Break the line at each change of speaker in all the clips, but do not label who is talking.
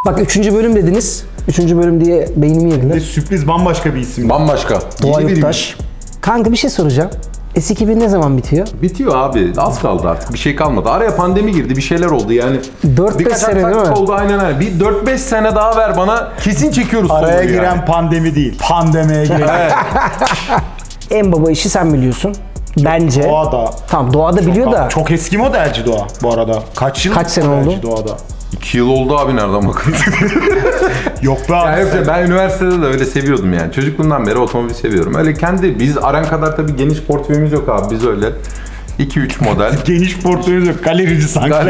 Bak 3. bölüm dediniz. 3. bölüm diye beynimi yediler.
Sürpriz bambaşka bir isim.
Bambaşka.
Doğa
İyi biriymiş.
Yurttaş. Kanka bir şey soracağım. S2000 ne zaman bitiyor?
Bitiyor abi. Az kaldı artık. Bir şey kalmadı. Araya pandemi girdi. Bir şeyler oldu yani.
4-5 sene değil mi?
oldu aynen. Bir 4-5 sene daha ver bana. Kesin çekiyoruz
Araya
soruyu
giren
yani.
pandemi değil. Pandemiye giren.
En baba işi sen biliyorsun. Bence.
Doğada.
Tamam Doğa'da biliyor da.
Çok eski modelci Doğa bu arada. Kaç yıl
Kaç sene
modelci
oldu?
Doğada?
2 yıl oldu abi nereden bakıyorsun?
Yok be abi.
Yani yoksa ben üniversitede de öyle seviyordum yani. Çocukluğumdan beri otomobil seviyorum. Öyle biz Aran kadar tabii geniş portföyümüz yok abi. Biz öyle 2-3 model.
Geniş portföyümüz yok. Galerici sanki.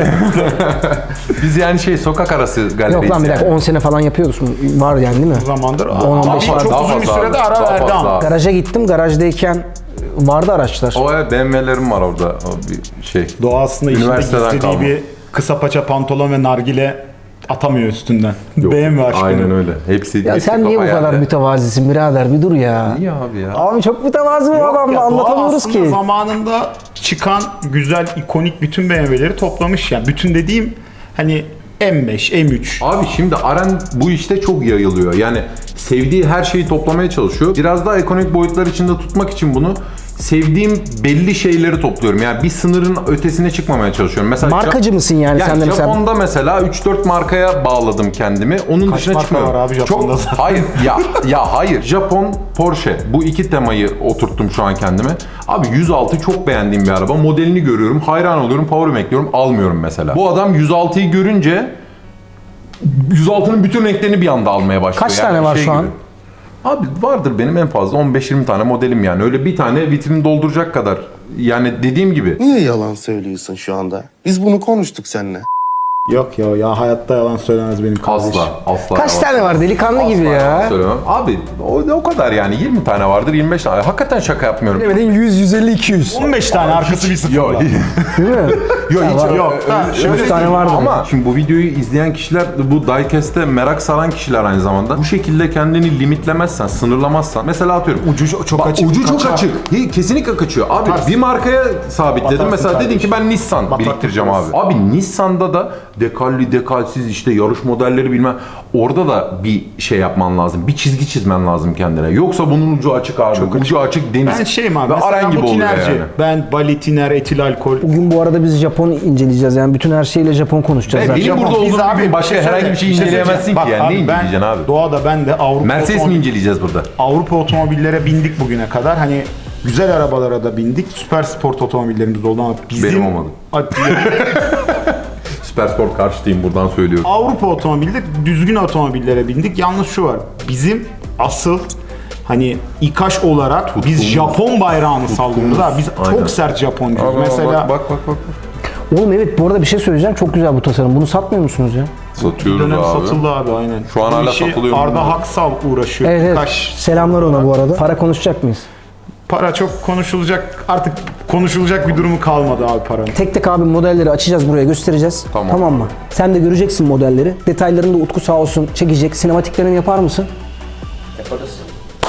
Biz yani sokak arası galeriyiz.
Yok lan bir dakika
yani.
10 sene falan yapıyorsun. Var yani değil mi?
O zamandır.
10-15
Ama
var.
çok
Daha
uzun bir
fazla
sürede
abi.
ara
Daha
verdi
fazla
ama.
abi.
Garaja gittim. Garajdayken vardı araçlar.
O BMW'lerim var orada. O bir şey.
Doğa aslında içinde
Üniversiteden
istediği
kalma.
bir kısa paça pantolon ve nargile atamıyor üstünden.
Yok,
BMW aşkını.
aynen öyle. Hepsi
Ya
hepsi
sen niye bu
kafa
kadar
yani.
mütevazisin birader? Bir dur ya.
Niye abi ya?
Abi çok mütevazi bir
Yok
adam
ya,
da anlatamıyoruz
Doğa aslında
ki.
zamanında çıkan güzel, ikonik bütün BMW'leri toplamış yani. Bütün dediğim hani M5, M3.
Abi şimdi Aran bu işte çok yayılıyor. Yani sevdiği her şeyi toplamaya çalışıyor. Biraz daha ekonomik boyutlar içinde tutmak için bunu sevdiğim belli şeyleri topluyorum. Yani bir sınırın ötesine çıkmamaya çalışıyorum. Mesela
Markacı mısın yani sen de mesela?
Japon'da mesela 3-4 markaya bağladım kendimi. Onun
Kaç
dışına
marka
çıkmıyorum.
var abi Japon'da zaten?
Hayır hayır. Japon, Porsche. Bu iki temayı oturttum şu an kendime. Abi 106 çok beğendiğim bir araba. Modelini görüyorum, hayran oluyorum, power ekliyorum, almıyorum mesela. Bu adam 106'yı görünce 106'nın bütün renklerini bir anda almaya başlıyor.
Kaç tane var şu an?
gibi. Abi vardır benim en fazla 15-20 tane modelim yani. Öyle bir tane vitrini dolduracak kadar. Yani dediğim gibi.
Niye yalan söylüyorsun şu anda? Biz bunu konuştuk seninle.
Yok ya hayatta yalan söylemez benim kardeşim.
Asla.
Kaç
yalan
tane var delikanlı gibi
Asla yalan
ya?
söylemem. Abi o kadar yani 20 tane vardır 25 tane. Hakikaten şaka yapmıyorum.
Bilemedin 100, 150, 200.
15 tane arkası bir sıfırla.
Yok
Değil mi?
hiç
Yok.
Şöyle 100 tane vardı.
ama şimdi bu videoyu izleyen kişiler bu diecast'e merak saran kişiler aynı zamanda. Bu şekilde kendini limitlemezsen, sınırlamazsan. Mesela atıyorum
Ucu çok açık.
Ucu çok
kaçar.
açık. Kesinlikle kaçıyor. Abi bir markaya sabitledim.
Batarsın
Mesela dedin
kardeşim.
ki ben Nissan
Batak
biriktireceğim
tutmaz.
abi. Abi Nissan'da da dekalli dekalsiz işte yarış modelleri bilmem. Orada da bir şey yapman lazım. Bir çizgi çizmen lazım kendine. Yoksa bunun ucu açık abi. Ucu açık deniz.
Ben şeyim abi.
Ve
Mesela
Aran gibi
bu
oluyor
tinerci.
yani.
Ben balitiner, etil alkol.
Bugün bu arada biz Japon inceleyeceğiz yani bütün her şeyle Japon konuşacağız
Ve
zaten.
benim burada
Biz
olduğum
abi
gibi başka
bir şey
herhangi bir şey
söyleyeyim.
inceleyemezsin ki
Bak
yani. Ne
ben
inceleyeceksin abi?
Doğada ben de Avrupa
Mercedes mi inceleyeceğiz burada?
Avrupa otomobillere bindik bugüne kadar. Hani güzel arabalara da bindik. Süper sport otomobillerimiz de oldu ama bizim...
Benim olmadı. Süpersport karşıtıyım buradan söylüyorum.
Avrupa otomobilde düzgün otomobillere bindik. Yalnız şu var. Bizim asıl hani İKAŞ olarak biz Japon bayrağını sallıyoruz abi. Biz
Aynen.
çok sert Japoncuyuz. Mesela
bak.
Oğlum evet bu arada bir şey söyleyeceğim çok güzel bu tasarım. Bunu satmıyor musunuz ya?
bir
Satıyoruz
dönem
abi.
satıldı abi aynen.
Şu an
Bu
hala
işi
satılıyor mu
Arda
bilmiyorum.
Haksal uğraşıyor.
Evet evet.
İKAŞ.
Selamlar ona bu arada. Para konuşacak mıyız?
Para çok konuşulacak artık konuşulacak bir durumu kalmadı abi paranın.
Tek tek abi modelleri açacağız buraya göstereceğiz.
Tamam.
Mı? Sen de göreceksin modelleri. Detaylarını da Utku sağ olsun çekecek. Sinematiklerini yapar mısın? Yaparız.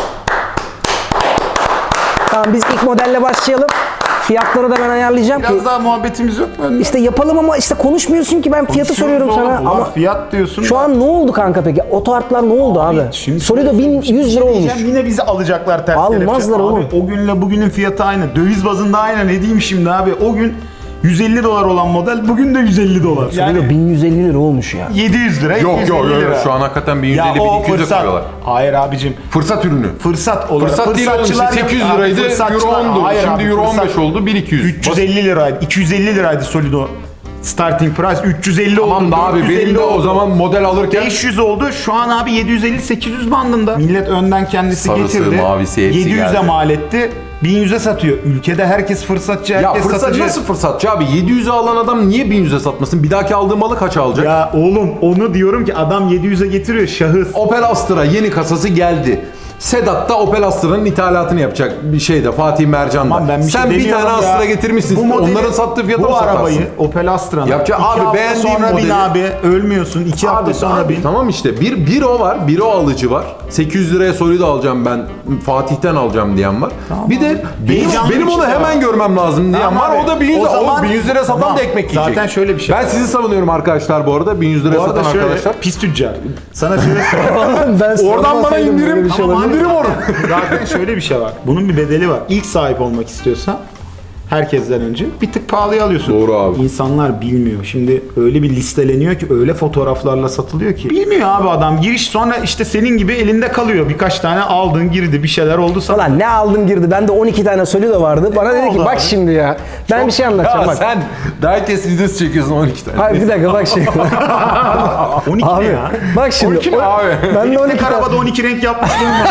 Tamam biz ilk modelle başlayalım. Fiyatları da ben ayarlayacağım ki.
Biraz daha muhabbetimiz yok mu?
İşte yapalım ama işte konuşmuyorsun ki ben fiyatı soruyorum sana.
Ama
Ama
fiyat diyorsun.
şu an ne oldu kanka peki? Oto Art'lar ne oldu abi?
Şimdi
Solido 1100 lira olmuş.
Yine bizi alacaklar ters
Almazlar
kelepçe.
oğlum.
Abi, o günle bugünün fiyatı aynı. Döviz bazında aynı. Ne diyeyim şimdi abi? O gün 150 dolar olan model bugün de 150 dolar.
Solido
Yani
1150 lira olmuş ya.
700 lira,
Yok
750 lira.
şu an hakikaten
Ya
1150
o
1200'e
fırsat.
koyuyorlar.
Hayır abicim.
Fırsat ürünü.
Fırsat olarak.
Fırsat değil oğlum işte
fırsatçılar
800
yok. Abi,
liraydı, euro
fırsatçılar-
10'du.
Hayır
Şimdi
abi,
euro
fırsat-
15 oldu, 1200.
350 liraydı. 250 liraydı Solido. Starting price 350 oldu.
Tamam da abi
450
benim de o
oldu.
zaman model alırken
500 oldu. Şu an abi 750-800 bandında. Millet önden kendisi
Sarısı,
getirdi.
mavisi hepsi
700'e
geldi.
mal etti. 1100'e satıyor. Ülkede herkes fırsatçı,
ya
herkes
fırsat
satıcı.
nasıl fırsatçı abi? 700'e alan adam niye 1100'e satmasın? Bir dahaki aldığı malı kaça alacak?
Ya oğlum onu diyorum ki adam 700'e getiriyor şahıs.
Opel Astra yeni kasası geldi. Sedat da Opel Astra'nın ithalatını yapacak bir şeyde Fatih Mercan'da.
Aman ben bir
Sen
şey
bir
demiyorum
tane
ya.
Astra getirmişsin.
Bu modeli-
Onların sattığı fiyata mı
Bu
satarsın?
arabayı Opel Astra'nın
Yapacak-
2
abi
hafta
beğendiğim
sonra bin
modeli-
abi. Ölmüyorsun. 2 hafta sonra bin.
Tamam işte bir o var, bir o alıcı var. 800 liraya Solido alacağım ben, Fatih'ten alacağım diyen var.
Tamam
bir de
abi.
benim,
Heyecanlı
benim
bir
onu
şey
hemen
var.
görmem lazım diyen
Tamam
var.
abi.
O da 1100
O
lira.
zaman-
1100 liraya satan
Tamam.
da ekmek yiyecek.
Zaten şöyle bir şey
Ben
var.
sizi savunuyorum arkadaşlar bu arada. 1100 liraya
Bu arada
satan
şöyle
arkadaşlar.
pis tüccar. Sana şöyle söyleyeyim.
Ben
Oradan bana
sormasaydım böyle
indirim,
bir şey
Tamam
olabilir.
abi.
indirim onu.
Zaten şöyle bir şey var. Bunun bir bedeli var. İlk sahip olmak istiyorsan herkesten önce bir tık pahalıya alıyorsun.
Doğru abi.
İnsanlar bilmiyor. Şimdi öyle bir listeleniyor ki öyle fotoğraflarla satılıyor ki. Bilmiyor abi adam. Giriş sonra işte senin gibi elinde kalıyor. Birkaç tane aldın girdi bir şeyler oldu sana.
Ulan ne aldım girdi. Bende 12 tane Solido vardı. Bana dedi ki
oldu
bak
abi?
şimdi ya. Ben bir şey anlatacağım
Ya
bak.
sen diecast videosu çekiyorsun 12 tane.
Hayır bir dakika bak şimdi.
12
abi
ne ya?
bak şimdi.
12 mi abi?
Ben de 12 tane.
Arabada 12 renk yapmışlığım var.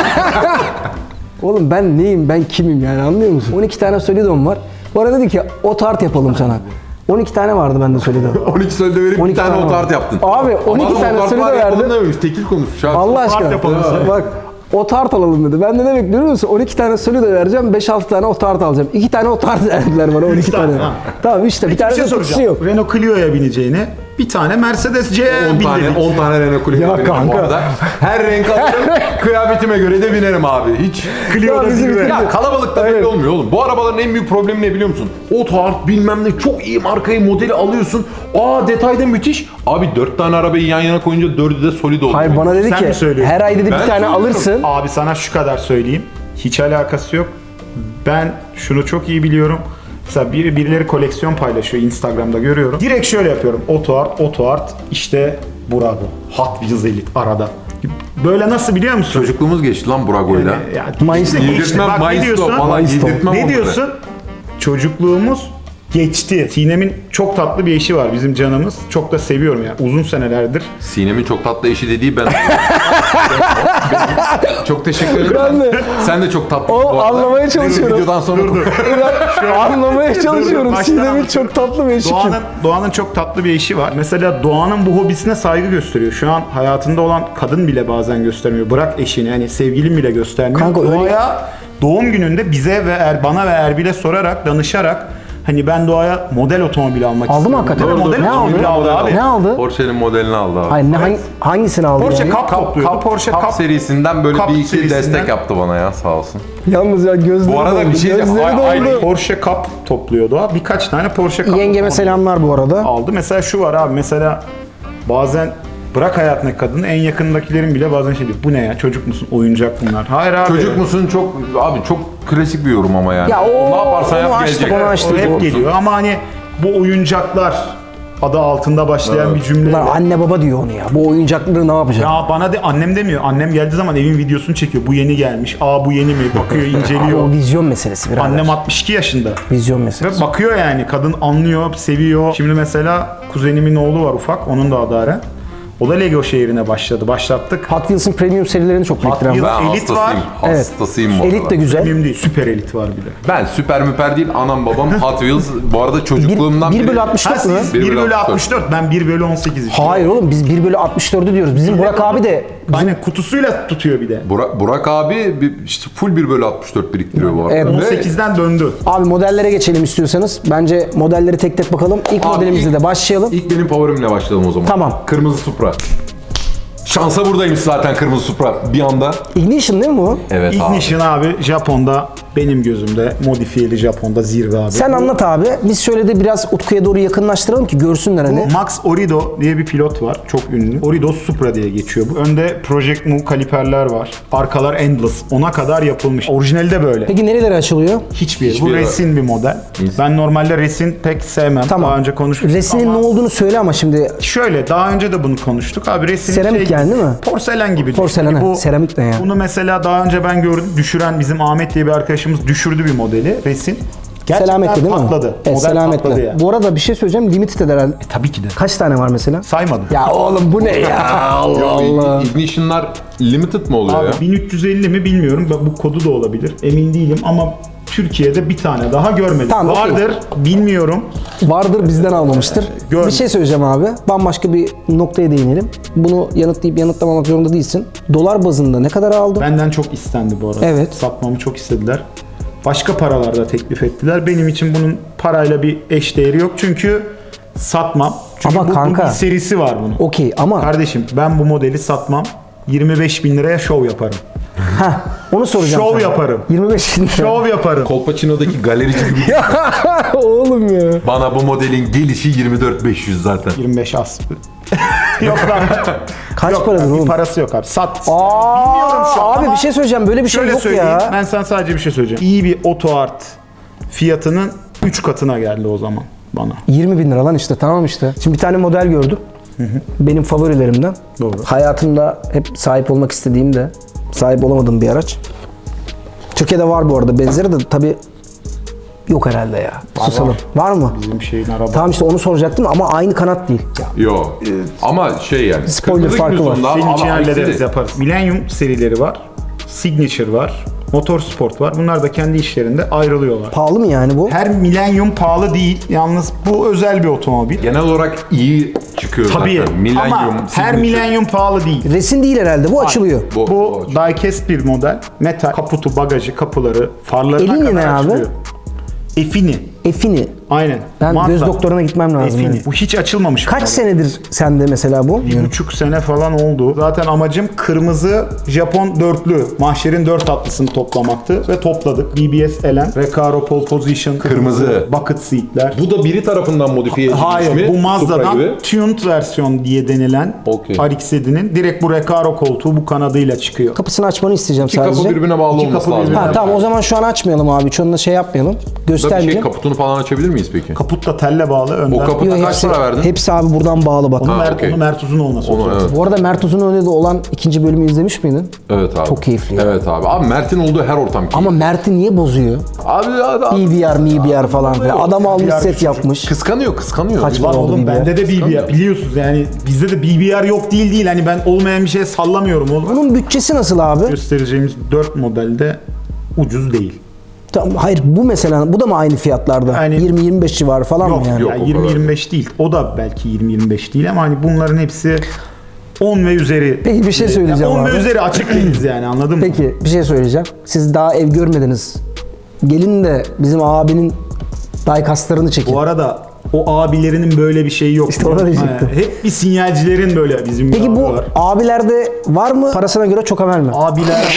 Oğlum ben neyim? Ben kimim yani anlıyor musun? 12 tane Solido'm var. Bana dedi ki o tart yapalım sana. 12 tane vardı bende Solido.
12 Solido verip
12
bir tane
tane
otart
var.
yaptın.
Abi, 12
Adam
tane
otart
Solido
var yapalım
verdi.
dememiş, tekil konuşmuş abi.
Allah aşkına.
yapalım sana.
Bak o tart alalım dedi. Ben de ne bekliyorum musun? 12 tane Solido vereceğim, 5-6 tane o tart alacağım. 2 tane o tart verdiler bana 12 tane.
tane, ha.
Tamam işte bir
Bir
tane
şey
de kutusu
soracağım.
yok.
Renault Clio'ya bineceğine bir tane Mercedes C'ye
10 tane,
bindirdik.
10 tane Renault Clio
Ya
benim
kanka.
bu arada. Her renk alırım, kıyafetime göre de binerim abi. Hiç.
Clio'da
Ya bizi
zirve.
bitirdi.
Ya kalabalıkta
Aynen.
belli olmuyor oğlum. Bu arabaların en büyük problemi ne biliyor musun? Otart bilmem ne çok iyi markayı modeli alıyorsun. Aa detayda müthiş. Abi 4 tane arabayı yan yana koyunca 4'ü de solid oluyor.
Hayır bana dedi
Sen
ki
mi söylüyorsun?
her ay dedi
Ben
bir tane
söylüyorum.
alırsın.
Abi sana şu kadar söyleyeyim. Hiç alakası yok. Ben şunu çok iyi biliyorum. Mesela birileri koleksiyon paylaşıyor Instagram'da görüyorum. Direkt şöyle yapıyorum. Otoart işte Burago. Hot Wheels Elite arada. Böyle nasıl biliyor musun?
Çocukluğumuz geçti lan Burago'yla.
Ya,
Maestro.
işte geçti.
Yedirtmem
Bak ne
Maestro
diyorsun?
falan
Maestro.
yedirtmem
Ne
onları.
diyorsun? Çocukluğumuz geçti. Sinem'in çok tatlı bir eşi var bizim canımız. Çok da seviyorum ya. Uzun senelerdir.
Sinem'in çok tatlı eşi dediği ben. Çok teşekkür ederim.
Ben de.
Sen de çok tatlı.
O
bu arada.
anlamaya çalışıyorum.
Videodan sonra
Anlamaya çalışıyorum.
baştan
Sinem'in
anlatıyorum.
çok tatlı bir eşi kim?
Doğan'ın çok tatlı bir eşi var. Mesela Doğan'ın bu hobisine saygı gösteriyor. Şu an hayatında olan kadın bile bazen göstermiyor. Bırak eşini, yani sevgilin bile göstermiyor.
Kanka öyle-
Doğa'ya doğum gününde bize ve bana ve Erbil'e sorarak, danışarak hani ben Doğa'ya model otomobil almak
Aldı mı
istiyorum.
hakikaten?
Tabii, model
Ne
otomobil
aldı?
aldı abi.
Ne aldı?
Porsche'nin modelini aldı abi.
Hayır hangisini aldı
Porsche
yani?
Cup topluyordu. Porsche
Cup
Cup
serisinden böyle
Cup
bir iki
serisinden.
destek yaptı bana ya sağ olsun.
Yalnız ya gözleri
Bu arada
doldu.
bir şey diyeceğim.
Gözleri
Aynı-
doldu.
Porsche Cup topluyor Doğa. Birkaç tane Porsche Cup
Yengeme
otomobil
selamlar bu arada.
aldı. Mesela şu var abi, mesela bazen bırak hayatındaki kadını, en yakındakilerin bile bazen şey diyor. Bu ne ya, çocuk musun, oyuncak bunlar. Hayır abi.
Çocuk musun çok abi çok klasik bir yorum ama yani.
Ya o-
ne yaparsan
onu
yap
açtık,
gelecek.
onu açtık.
O hep
Doğrusu.
geliyor ama hani bu oyuncaklar adı altında başlayan bir cümle.
Bunlar anne baba diyor onu ya. Bu oyuncakları ne yapacak?
Ya bana de, annem demiyor. Annem geldiği zaman evin videosunu çekiyor. Bu yeni gelmiş. Aa bu yeni mi? Bakıyor,
O
inceliyor.
vizyon meselesi birader.
Annem 62 yaşında.
Vizyon
Ve
meselesi.
bakıyor yani. Kadın anlıyor, seviyor. Şimdi mesela kuzenimin oğlu var ufak. Onun da adı Aren. O da Lego şehrine başladı. Başlattık.
Hot Wheels'ın premium serilerini çok biriktiren
Wheels-
var.
Ben
Elit
hastasıyım.
var.
Evet.
Hastasıyım bu
Elit
arada.
de güzel.
Benim değil. Süper elit var bir de.
Ben süper müper değil anam babam Hot Wheels. Bu arada çocukluğumdan
1 bölü
beri-
64
Ha
mı?
siz
1
1
bölü
bölü
64.
64. Ben 1 bölü 18 işte.
Hayır oğlum biz 1 bölü 64'ü diyoruz. Bizim Burak abi de
Aynen, kutusuyla tutuyor bir de.
Burak abi işte full 1 bölü 64 biriktiriyor bu arada.
Evet.
Ve-
18'den döndü.
abi modellere geçelim istiyorsanız. Bence modelleri tek tek bakalım. İlk
Abi
modelimizle
ilk-
de başlayalım.
İlk benim favorimle başlayalım o zaman.
Tamam.
Kırmızı Supra. Şansa buradaymış zaten Kırmızı Supra bir anda.
Ignition değil mi bu?
Evet abi.
Ignition abi Japon'da, benim gözümde modifiyeli Japon'da zirve abi.
Sen anlat abi. Biz şöyle de biraz Utku'ya doğru yakınlaştıralım ki görsünler hani.
Max Orido diye bir pilot var. Çok ünlü. Orido Supra diye geçiyor bu. Önde Project Move kaliperler var. Arkalar Endless. Ona kadar yapılmış. Orijinali de böyle.
Peki nereleri açılıyor?
Hiçbir.
Hiçbir
Bu
yere-
resin bir model. Ben normalde resin pek sevmem.
Tamam.
Daha önce konuşmuştuk
Resinin
ama
ne olduğunu söyle ama şimdi
şöyle, daha önce de bunu konuştuk. Abi resin
Seramik yani değil mi?
Porselen gibi. düşün.
Porselen,
Hani
ha. Seramik ne ya?
Bunu mesela daha önce ben gördüm. Düşüren bizim Ahmet diye bir arkadaşımız düşürdü bir modeli. Resin. Gerçekten
Selametle değil mi?
patladı.
Evet,
Model
selametle.
patladı yani.
Bu arada bir şey söyleyeceğim. Limited herhalde.
Tabii ki de.
Kaç tane var mesela?
Saymadım.
Ya oğlum bu ne ya? Allah Allah.
Ignition'lar limited mi oluyor
Abi
ya?
1350 mi bilmiyorum. Bu kodu da olabilir. Emin değilim ama Türkiye'de bir tane daha görmedim.
Tamam, okey.
Vardır, bilmiyorum.
Vardır bizden almamıştır.
Görmedim.
Bir şey söyleyeceğim abi. Bambaşka bir noktaya değinelim. Bunu yanıtlayıp yanıtlamamak zorunda değilsin. Dolar bazında ne kadar aldın?
Benden çok istendi bu arada.
Evet.
Satmamı çok istediler. Başka paralarda teklif ettiler. Benim için bunun parayla bir eşdeğeri yok. Çünkü satmam. Çünkü
Ama
bu
kanka-
bir serisi var bunun.
Okey ama
Kardeşim ben bu modeli satmam. 25 bin liraya şov yaparım.
onu soracağım
Şov
sana.
yaparım.
25 bin lira.
Şov yaparım.
Kolpaçino'daki galerici gibi.
Oğlum ya.
Bana bu modelin gelişi 24.500 zaten.
25 az. Yok lan.
Kaç
Yok,
paradır
bir
oğlum?
parası yok abi. Sat.
Aa,
Bilmiyorum şu an
abi
ama
bir şey söyleyeceğim. Böyle bir şey
şöyle
yok
söyleyeyim.
ya.
Ben sana sadece bir şey söyleyeceğim. İyi bir oto art fiyatının 3 katına geldi o zaman bana.
20 bin lira lan işte, tamam işte. Şimdi bir tane model gördüm. Benim favorilerimden.
Doğru.
Hayatımda hep sahip olmak istediğim de sahip olamadığım bir araç. Türkiye'de var bu arada benzeri de tabii yok herhalde ya. Susalım. Var mı?
Bizim şeyin araba.
Tamam işte onu soracaktım ama aynı kanat değil.
Yo. Ama şey yani.
Spoiler
kırmızı
farkı
günün
var.
sonunda
Senin
ama
için hallederiz,
aksine-
yaparız. Millennium serileri var. Signature var. Motorsport var. Bunlar da kendi işlerinde ayrılıyorlar.
Pahalı mı yani bu?
Her Millennium pahalı değil. Yalnız bu özel bir otomobil.
Genel olarak iyi çıkıyor
Tabii.
zaten. Millennium,
Ama her
Signature.
Millennium pahalı değil.
Resim değil herhalde. Bu açılıyor.
Bu diecast bir model. Metal, kaputu, bagajı, kapıları, farlarına
Elini
kadar
ne abi?
açılıyor. Efini.
Efini.
Aynen.
Ben
Mazda.
göz doktoruna gitmem lazım.
Efini.
yani.
Bu hiç açılmamış.
Kaç
model.
senedir sende mesela bu?
1,5 sene falan oldu. Zaten amacım kırmızı Japon dörtlü, mahşerin dört atlısını toplamaktı ve topladık. BBS Elen, Recaro Pole Position,
Kırmızı.
bucket seatler.
Bu da biri tarafından modifiye edilmiş mi?
Hayır, bu
Supra
Mazda'dan
gibi.
tuned versiyon diye denilen
Okey.
RX-7'nin direkt bu Recaro koltuğu bu kanadıyla çıkıyor.
Kapısını açmanı isteyeceğim
İki
sadece.
kapı birbirine bağlı
İki
olması
kapı
lazım.
birbirine-
Ha tamam, o zaman şu an açmayalım abi. Hiç onunla şey yapmayalım.
Burada bir şey
Göstermeyelim.
kaputunu falan açabilir miyiz peki?
Kaput da telle bağlı önden.
O kaput-
Yo,
Kaç para verdin?
Hepsi abi buradan bağlı bak.
Onu,
Ha,
Mert,
okey.
onu Mert Uzun olması
Onu,
olacak.
evet.
Bu arada Mert Uzun önünde olan ikinci bölümü izlemiş miydin?
Evet abi.
Çok keyifli ya.
Evet abi. Abi Mert'in olduğu her ortam keyifli.
Ama Mert'i niye bozuyor?
Abi
BBR, MBR falan filan. Adam almış
BBR
set
çocuk.
yapmış.
kıskanıyor.
Kaç
Lan
para oldu
oğlum
BBR?
bende de BBR biliyorsunuz yani bizde de BBR yok değil hani ben olmayan bir şeye sallamıyorum oğlum.
Bunun bütçesi nasıl abi?
Göstereceğimiz 4 modelde ucuz değil.
Tamam, hayır bu mesela bu da mı aynı fiyatlarda?
Yani-
20-25 civarı falan
Yok
mı yani?
yok.
yani
o
20-25 değil. O da belki 20-25 değil ama hani bunların hepsi 10 ve üzeri.
Peki bir şey söyleyeceğim
Yani 10
abi.
ve üzeri açık değiliz yani anladın mı?
Peki bir şey söyleyeceğim. Siz daha ev görmediniz. Gelin de bizim abinin daykaslarını çekin.
Bu arada o abilerinin böyle bir şeyi yok.
İşte ona diyecektim.
Hep bir sinyalcilerin böyle bizim bir
Peki
abi
bu
var.
abilerde var mı parasına göre çok amel mi?
Abilerde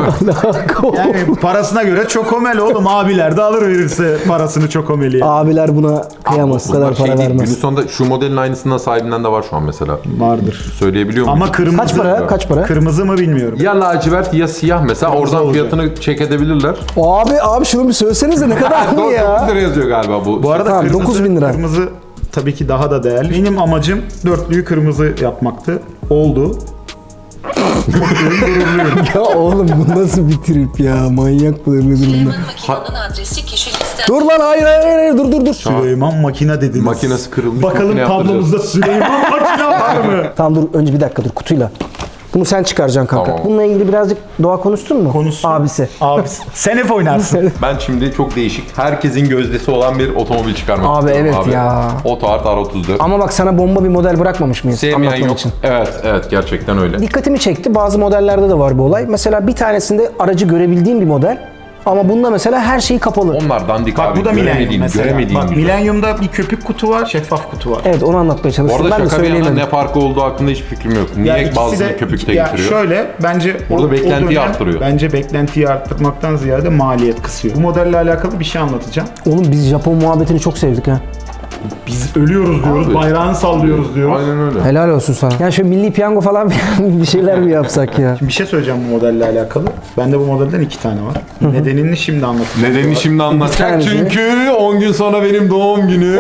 yani parasına göre çokomel oğlum abiler de alır verirse parasını çokomeli. Yani.
Abiler buna kıyamaz. Bu
Bunlar
kadar para
şey değil.
vermez.
Günün sonunda şu modelin aynısından sahibinden de var şu an mesela.
Vardır.
Söyleyebiliyor muyum?
Ama kırmızı.
Kaç para? Kaç para?
Kırmızı mı bilmiyorum.
Ya lacivert ya siyah mesela
Kırmızı
oradan
olacak.
fiyatını check edebilirler.
Abi şunu bir söylesenize ne kadar mı
9
ya?
lira yazıyor galiba bu.
Bu arada
Tamam,
kırmızı,
9.000 lira.
kırmızı tabii ki daha da değerli. Benim amacım dörtlüyü kırmızı yapmaktı. Oldu.
Ya oğlum bu nasıl bir trip ya? Manyak mıdır nedir bunlar?
Makinenin adresi kişi liste.
Dur lan hayır dur.
Süleyman makine dediniz.
Makinesi kırılmış,
Bakalım
makine
tablomuzda Süleyman makine var mı?
Tamam dur önce bir dakika dur kutuyla. Bunu sen çıkaracaksın kanka.
Tamam.
Bununla ilgili birazcık Doğa konuştun mu?
Konuşsun.
Abisi.
Abi sen hep oynarsın.
Ben şimdi çok değişik, herkesin gözdesi olan bir otomobil çıkarmak
Abi
istiyorum
evet ya.
Autoart R34.
Ama bak sana bomba bir model bırakmamış mıyız?
Sevmeyen
anlatman
yok.
için.
Evet gerçekten öyle.
Dikkatimi çekti. Bazı modellerde de var bu olay. Mesela bir tanesinde aracı görebildiğim bir model. Ama bunda mesela her şeyi kapalı.
Onlar dandik
Bak
abi.
bu da Millennium
göremediğin,
mesela.
göremediğin
Bak
güzel.
Millennium'da bir köpük kutu var, şeffaf kutu var.
Evet onu anlatmaya
Bu
çalıştım.
arada
Ben de
şaka bir yana
söyleyemedim.
ne farkı olduğu hakkında hiçbir fikrim yok. Niye
ikisi
bazıları köpükte
ya
getiriyor?
Şöyle bence
Burada beklentiyi arttırıyor.
Bence beklentiyi arttırmaktan ziyade maliyet kısıyor. Bu modelle alakalı bir şey anlatacağım.
Oğlum biz Japon muhabbetini çok sevdik ha.
Biz ölüyoruz diyoruz,
Abi.
bayrağını sallıyoruz diyoruz.
Aynen öyle.
Helal olsun sana. Yani şu milli piyango falan bir şeyler mi yapsak ya?
Bir şey söyleyeceğim bu modelle alakalı. Bende bu modelden 2 tane var. Nedenini şimdi anlatacağım.
Nedenini şimdi anlatacak
tanesi.
çünkü 10 gün sonra benim doğum günü.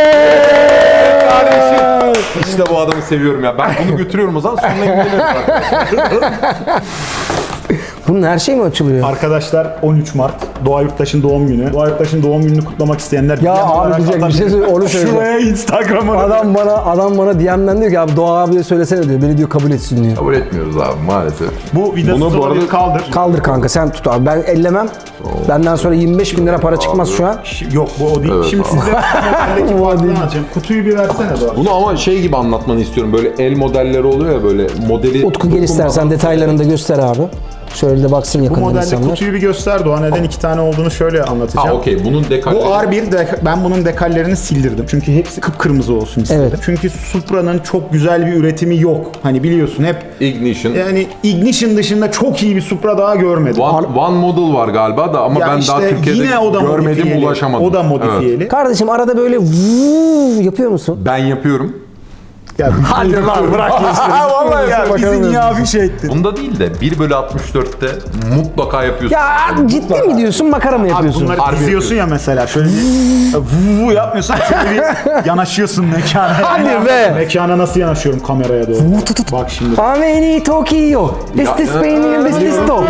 Kardeşim. İşte bu adamı seviyorum ya. Ben bunu götürüyorum o zaman sonra ilgilenirim.
Bunun her şey mi açılıyor?
Arkadaşlar 13 Mart Doğa Yurttaş'ın doğum günü. Doğa Yurttaş'ın doğum gününü kutlamak isteyenler
Ya
DM
abi
olarak
diyecek bir şey söyle, onu söyle.
Şuraya Instagram'a.
Adam bana DM'den diyor ki abi Doğa abiye söylesene diyor. Beni diyor kabul etsin diyor.
Kabul etmiyoruz abi maalesef.
Bu vidası
Bunu bu
olabilir,
arada-
kaldır.
Kaldır kanka sen tut abi. Ben ellemem. Benden sonra 25 bin lira para çıkmaz şu an.
Yok bu o değil.
Evet,
Şimdi
abi.
size modeldeki
Bu o
farkını
değil.
anlatacağım. Kutuyu bir versene Doğa.
Bunu ama şey gibi anlatmanı istiyorum. Böyle el modelleri oluyor ya böyle modeli...
Utku gel istersen detaylarını da göster abi. Şöyle de baksın
Bu
yakından
modelde
insanlar.
kutuyu bir göster Doğa. Neden 2 tane olduğunu şöyle anlatacağım.
Ha okey bunun dekalleri...
Bu R1 ben bunun dekallerini sildirdim. Çünkü hepsi kıpkırmızı olsun istedim.
Evet.
Çünkü Supra'nın çok güzel bir üretimi yok. Hani biliyorsun hep
Ignition.
yani Ignition dışında çok iyi bir Supra daha görmedim.
One Model var galiba da ama
Ya
ben
işte
daha Türkiye'de
yine o da
görmedim,
modifiyeli.
ulaşamadım.
O da modifiyeli.
Evet.
Kardeşim arada böyle vuuu yapıyor musun?
Ben yapıyorum.
Ya, hadi lan bırak geçsin.
Vallahi
ya
bakalım.
bizi niye abi şey ettin?
Bunda değil de 1/64'te mutlaka yapıyorsun.
Ya ciddi mi diyorsun makara mı
Abi
yapıyorsun?
bunları
Harbi
diziyorsun ya mesela şöyle bir vuvu yapmıyorsun şöyle bir yanaşıyorsun mekana.
Hadi be.
Mekana nasıl yanaşıyorum kameraya doğru. Bak şimdi.
Ameni Tokyo. This is Spain, this is Top.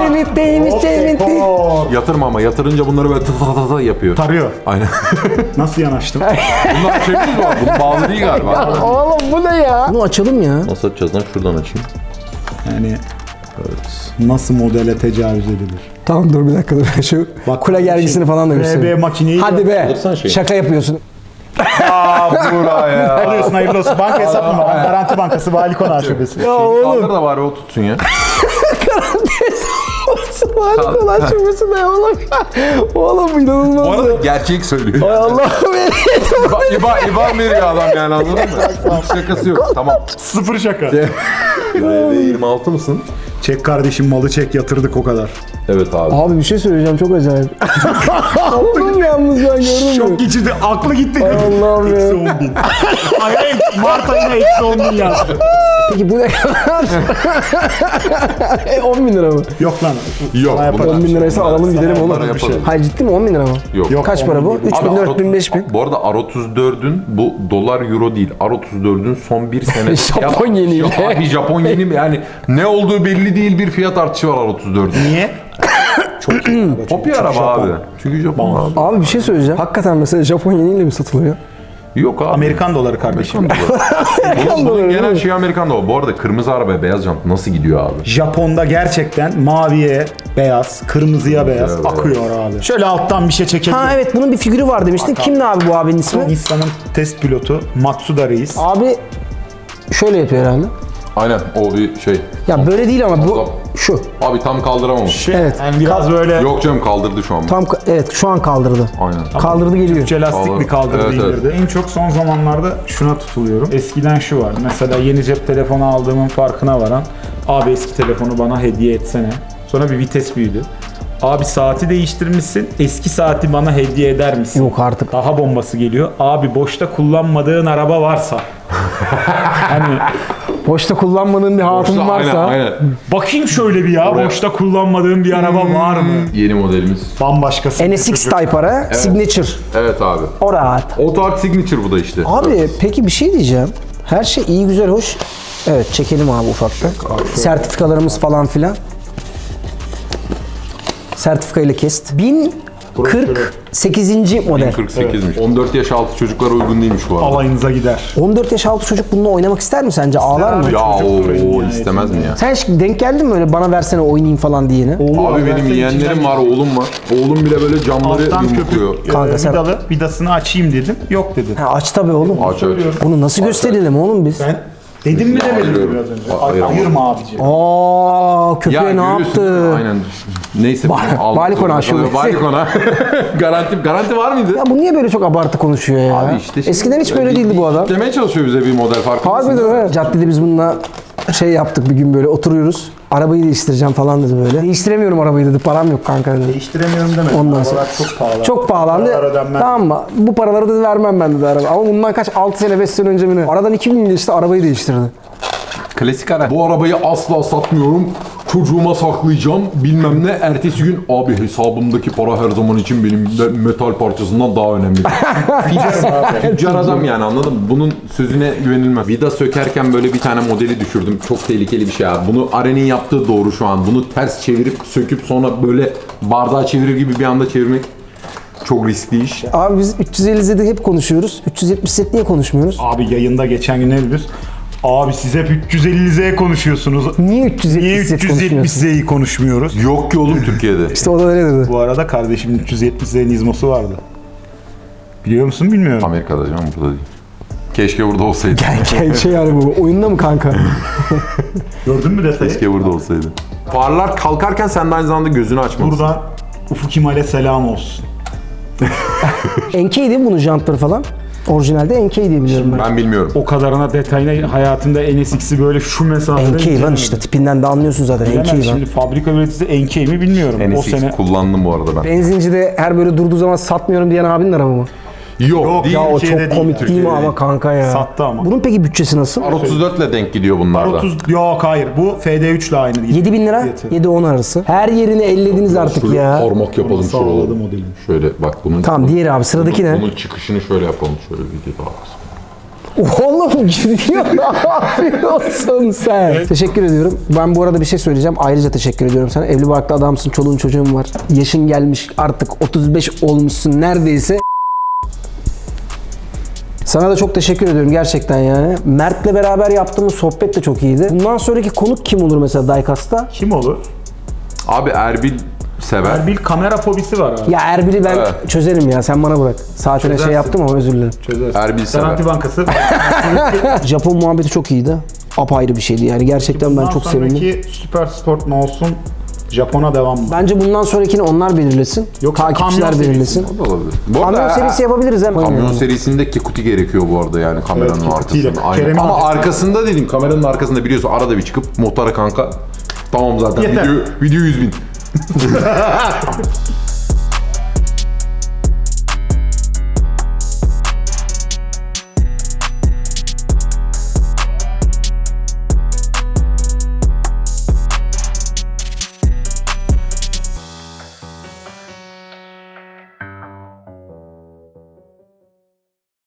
Yatırma ama yatırınca bunları böyle tı tı tı yapıyor.
Tarıyor.
Aynen.
Nasıl yanaştım?
Bunlar şey mi var? Bunun bağlı değil galiba.
Oğlum bu ne ya? Bunu açalım ya.
Nasıl açacağız lan? Şuradan açayım.
Yani nasıl modele tecavüz edilir?
Tamam dur bir dakika dur. Şu
Bak,
kule gergisini falan da göstereyim.
RB makineyi
Hadi be.
Alırsana şeyi.
Şaka yapıyorsun.
Buraya.
alıyorsun hayırlı olsun. Banka hesap numaram. Garanti Bankası Vali Konağı Şubesi.
Kaldır da bari o tutsun ya.
Harika lan şubesi ne oğlum? Oğlum bu inanılmaz.
Bu arada gerçek söylüyor.
Ay Allah'ım
İban veriyor adam yani anladın mı? Hiç şakası yok. Tamam.
Sıfır şaka.
RB26 mısın?
Çek kardeşim malı çek yatırdık o kadar.
Evet abi.
Abi bir şey söyleyeceğim çok acayip. Oğlum yalnız ben gördüm mü?
Çok geçirdi. Aklı gitti.
Allah'ım ya.
Eksi 10 bin. Ay Mart ayına eksi 10 bin yazdı.
Peki bu ne kadar? 10 bin lira mı?
Yok lan.
Yok,
Sana yaparım.
bunlar-
10 bin liraysa alalım gidelim oğlum.
Bunları yapalım.
Hayır ciddi mi 10 bin lira mı?
Yok.
Kaç para bu?
10 bin.
3 bin,
Abi,
4 bin, 5 bin.
Bu arada R34'ün bu dolar euro değil. R34'ün son bir sene.
Japon yeniyle.
Abi Japon yeni mi? Yani ne olduğu belli değil bir fiyat artışı var R34'ün.
Niye? Çok iyi. araba,
Hopi
çok
araba
Japon.
abi. Çünkü Japon abi.
Abi bir şey söyleyeceğim. Hakikaten mesela Japon yeniyle mi satılıyor?
Yok abi.
Amerikan doları kardeşim.
Bunun genel şey Amerikan doları. Bu arada kırmızı arabaya beyaz jant nasıl gidiyor abi?
Japon'da gerçekten maviye beyaz, kırmızıya beyaz
Evet.
akıyor abi. Şöyle alttan bir şey çekelim.
Ha evet bunun bir figürü var demiştin. Kimdi abi bu abinin ismi?
Nissan'ın test pilotu Matsuda Reis.
Abi şöyle yapıyor herhalde.
Aynen o bir şey.
Ya böyle değil ama bu şu.
Abi tam kaldıramamış.
Evet.
Yani biraz böyle
Yok canım kaldırdı şu an.
Evet şu an kaldırdı.
Aynen.
Kaldırdı geliyor.
Türkçe lastik bir kaldırdı
Evet, evet.
indirdi. En çok son zamanlarda şuna tutuluyorum. Eskiden şu var. Mesela yeni cep telefonu aldığımın farkına varan abi eski telefonu bana hediye etsene. Sonra bir vites büyüdü. Abi saati değiştirmişsin. Eski saati bana hediye eder misin?
Yok artık.
Daha bombası geliyor. Abi boşta kullanmadığın araba varsa. Hani
Boşta kullanmadığın bir hatun varsa.
Aynen.
bakayım şöyle bir ya.
Oraya-
Boşta kullanmadığın bir araba var mı?
Yeni modelimiz.
Bambaşkası.
NSX Type ara, Signature.
Evet abi.
O rahat.
Auto Art Signature bu da işte.
Abi peki bir şey diyeceğim. Her şey iyi güzel hoş. Evet çekelim abi ufaktan. Sertifikalarımız falan filan. Sertifikayla kest. 1048. model.
48'miş. 14 yaş altı çocuklara uygun değilmiş bu arada.
Alayınıza gider.
14 yaş altı çocuk bununla oynamak ister mi sence? Ağlar mı?
abi.
Ya
Çocuk
o
yani,
istemez mi ya?
Sen hiç denk geldin mi öyle bana versene oynayayım falan diyene?
Abi benim yeğenlerim var, oğlum var. Oğlum bile böyle camları
Alttan
yumrukluyor.
köpük
Kanka sen-
vidalı. Vidasını açayım dedim. Yok dedin.
Ha, aç tabii oğlum.
Aç aç.
Bunu nasıl gösterelim oğlum biz?
Ben dedim mi demedim mi
Ayırıyorum.
biraz önce?
Ayıramam.
Ayırma abici.
Aa köpeğe ne
görüyorsun,
yaptı?
Aynen. Neyse.
Vali Konağı şubesi.
Vali Konağı. Garanti var mıydı?
Ya bu niye böyle çok abartı konuşuyor ya?
Abi işte şimdi
Eskiden hiç böyle değildi bu adam.
Demeye çalışıyor bize bir model farkı.
Harbiden he. Caddede biz bununla şey yaptık bir gün böyle oturuyoruz. Arabayı değiştireceğim falan dedi böyle. Değiştiremiyorum arabayı dedi. Param yok kanka dedi.
Değiştiremiyorum demedim.
Ondan sonra-
Arabalar çok pahalı.
Çok pahalandı.
Paralar ödenmez.
Tamam mı? Bu paraları da vermem ben dedi araba. Ama bundan kaç? 6 sene 5 sene önce mi ne? Aradan 2 gün geçti arabayı değiştirdi.
Klasik araç. Bu arabayı asla satmıyorum. çocuğuma saklayacağım bilmem ne. Ertesi gün abi hesabımdaki para her zaman için benim metal parçasından daha önemli. Tüccar adam yani, anladın mı? Bunun sözüne güvenilmez. Vida sökerken böyle bir tane modeli düşürdüm. Çok tehlikeli bir şey abi. Bunu Aren'in yaptığı doğru şu an. Bunu ters çevirip söküp sonra böyle bardağı çevirir gibi bir anda çevirmek çok riskli iş.
Abi biz 350Z'de hep konuşuyoruz. 370Z niye konuşmuyoruz?
Abi yayında geçen gün ne diyoruz? Abi siz hep 350Z konuşuyorsunuz.
Niye 370Z
Niye
konuşmuyorsun?
370Z'yi konuşmuyoruz?
Yok ki oğlum Türkiye'de.
İşte o da öyle dedi.
Bu arada kardeşimin 370Z Nizmo'su vardı. Biliyor musun bilmiyorum.
Amerika'da canım, burada değil. Keşke burada olsaydı.
Şey yani bu oyunda mı kanka?
Gördün mü detayı?
Keşke burada olsaydı. Farlar kalkarken sen de aynı zamanda gözünü açmalısın.
Buradan Ufuk Kemal'e selam olsun.
NK değil mi bunun jantları falan? Orijinalde NK diye biliyorum ben.
Ben bilmiyorum.
O kadarına detayına hayatımda NSX'i böyle şu mesafede
NK lan işte tipinden de anlıyorsun zaten NK
Bilemem,
lan.
şimdi fabrika üreticisi NK mi bilmiyorum. O
NSX
sene
kullandım bu arada ben.
Benzincide her böyle durduğu zaman satmıyorum diyen abinin arabı mı?
Yok değil.
Ya o
Türkiye'de
çok
değil
komik
ya.
değil mi
Türkiye'de
ama kanka ya?
Sattı ama.
Bunun peki bütçesi nasıl?
R34 ile denk gidiyor bunlar da.
30 yok hayır bu FD3 ile aynı değil.
7.000 lira,
Fiyatı.
7-10 arası. Her yerini ellediniz artık
Şöyle
ya.
parmak yapalım
Sağladı
şuraları.
modelini.
Şöyle bak bunun.
Tamam diğeri abi sıradaki ne?
Bunun çıkışını şöyle yapalım. Şöyle bir daha.
Oğlum gidiyor ne yapıyorsun sen? Teşekkür ediyorum. Ben bu arada bir şey söyleyeceğim. Ayrıca teşekkür ediyorum sana. Evli barklı adamsın, çoluğun çocuğun var. Yaşın gelmiş artık 35 olmuşsun neredeyse. Sana da çok teşekkür ediyorum gerçekten yani. Mert'le beraber yaptığımız sohbet de çok iyiydi. Bundan sonraki konuk kim olur mesela Diecast'ta?
Kim olur?
Abi Erbil sever.
Erbil kamera fobisi var abi.
Ya Erbil'i ben
Evet.
çözerim ya sen bana bırak. Saatine şey
Çözersin.
yaptım ama özür dilerim.
Çözersin.
Erbil sever.
Garanti Bankası.
Japon muhabbeti çok iyiydi. Apayrı bir şeydi yani gerçekten ben
Bundan
çok sevindim.
sonraki Süper Sport ne olsun? Japon'a devam mı?
Bence bundan sonrakini onlar belirlesin.
Yoksa
Takipçiler
kamyon
belirlesin.
O da olabilir. Bu
Kamyon
arada
serisi yapabiliriz hem.
kamyon serisinde Kikuti gerekiyor bu arada yani kameranın
Evet, Kikuti'yle.
arkasında. Aynen.
Kerem'in
Ama
arkasında.
arkasında dedim, kameranın arkasında biliyorsun arada bir çıkıp muhtara kanka tamam zaten
Yeter.
video 100.000.